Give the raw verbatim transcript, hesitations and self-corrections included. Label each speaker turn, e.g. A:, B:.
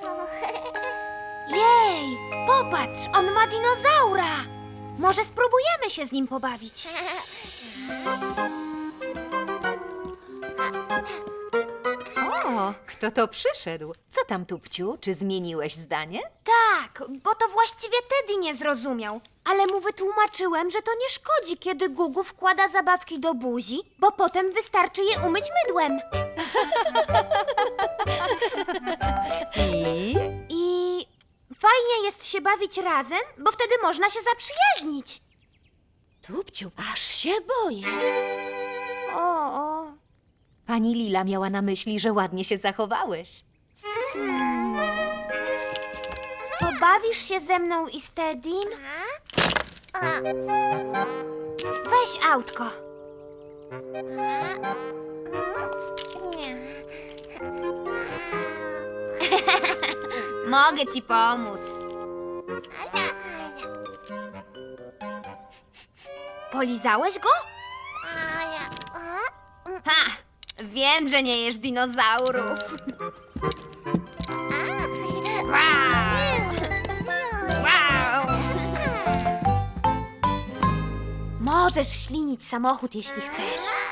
A: Jej, popatrz, on ma dinozaura. Może spróbujemy się z nim pobawić.
B: O, kto to przyszedł? Co tam, Tupciu? Czy zmieniłeś zdanie?
A: Tak, bo to właściwie Teddy nie zrozumiał. Ale mu wytłumaczyłem, że to nie szkodzi, kiedy Gugu wkłada zabawki do buzi, bo potem wystarczy je umyć mydłem.
B: I?
A: I fajnie jest się bawić razem, bo wtedy można się zaprzyjaźnić.
C: Tupciu, aż się boję.
A: O, o.
B: Pani Lila miała na myśli, że ładnie się zachowałeś.
A: Pobawisz się ze mną i z Teddym? Weź autko. Mogę ci pomóc. Polizałeś go? Ha! Wiem, że nie jesz dinozaurów. Wow! Wow! Możesz ślinić samochód, jeśli chcesz.